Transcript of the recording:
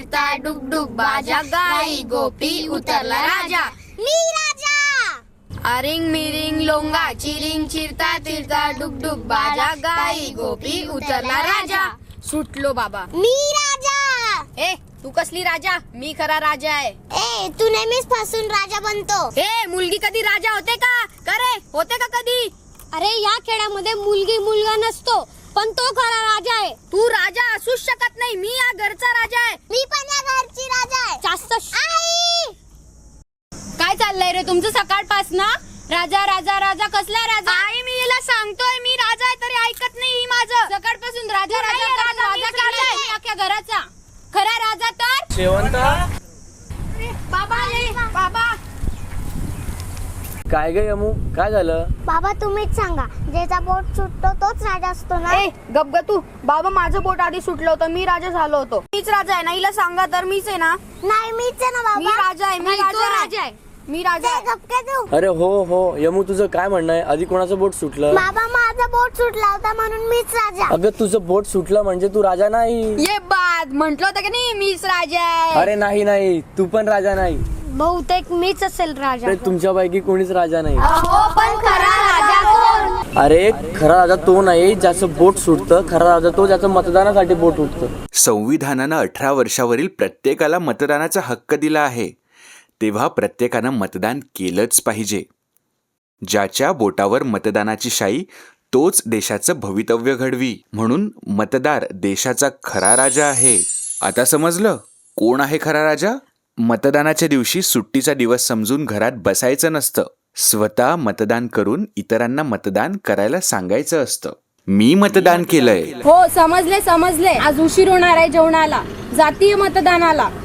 फिरता डुगडुग बाजा, गाई गोपी उतरला राजा. मी राजा. अरिंग मिरिंग लोंगा चिरिंग चिरता तिरता डुगडुग बाजा, गाई गोपी उतरला राजा. सुटलो बाबा. मी राजा. ए तू कसली राजा? मी खरा राजा आहे. ए तू नेहमीच फसून राजा बनतो. ए मुलगी कधी राजा होते का? करे होते का कधी? अरे या खेळामध्ये मुलगी मुलगा नसतो, पण तो खरा राजा आहे. तू राजा असूच शकत नाही. मी या घरचा राजा आहे. मी पण या घरची राजा आहे. जास्त आई काय चाललंय रे तुमचं सकाळपासनं? राजा राजा राजा कसला राजा? आई मी हिला सांगतोय मी राजा आहे तरी ऐकत नाही ही माझं. सकाळपासून राजा राजा राजा राजा अख्ख्या घराचा. खरा राजा तर शेवंता. बाबा रे बाबा. काय ग यमू, काय झालं? बाबा तुम्हीच सांगा, ज्याचा बोट सुटतो तोच राजा असतो ना? ए गप ग तू. बाबा माझं बोट आधी सुटलं होतं, मी राजा झालो होतो. मीच राजा आहे ना, हिला सांगा तर मीच आहे ना. नाही मीच आहे ना मी बाबा. राजा आहे. मी राजा आहे. मी राजा आहे. गप्पे तू. अरे हो हो यमू, तुझं काय म्हणणं आहे? आधी कोणाचं बोट सुटलं? बाबा माझा बोट सुटला होता म्हणून मीच राजा. अगं तुझं बोट सुटलं म्हणजे तू राजा नाही. ये बाद म्हंटल होतं की नाही मीच राजा आहे. अरे नाही नाही, तू पण राजा नाही. बहुतेक मीच असेल राजा. अरे तुमच्यापैकी कोणीच राजा नाही. हो पण खरा राजा कोण? अरे खरा राजा तो नाही ज्याचं बोट सुटतं. खरा राजा तो ज्याचं मतदानासाठी बोट उठतं. संविधानानं 18 वर्षावरील प्रत्येकाला मतदानाचा हक्क दिला आहे, तेव्हा प्रत्येकानं मतदान केलंच पाहिजे. ज्याच्या बोटावर मतदानाची शाई तोच देशाचं भवितव्य घडवी. म्हणून मतदार देशाचा खरा राजा आहे. आता समजलं कोण आहे खरा राजा? मतदानाच्या दिवशी सुट्टीचा दिवस समजून घरात बसायचं नसतं. स्वतः मतदान करून इतरांना मतदान करायला सांगायचं असतं. मी मतदान केलंय. हो समजले समजले. आज उशीर होणार आहे जेवणाला. जातीय मतदानाला.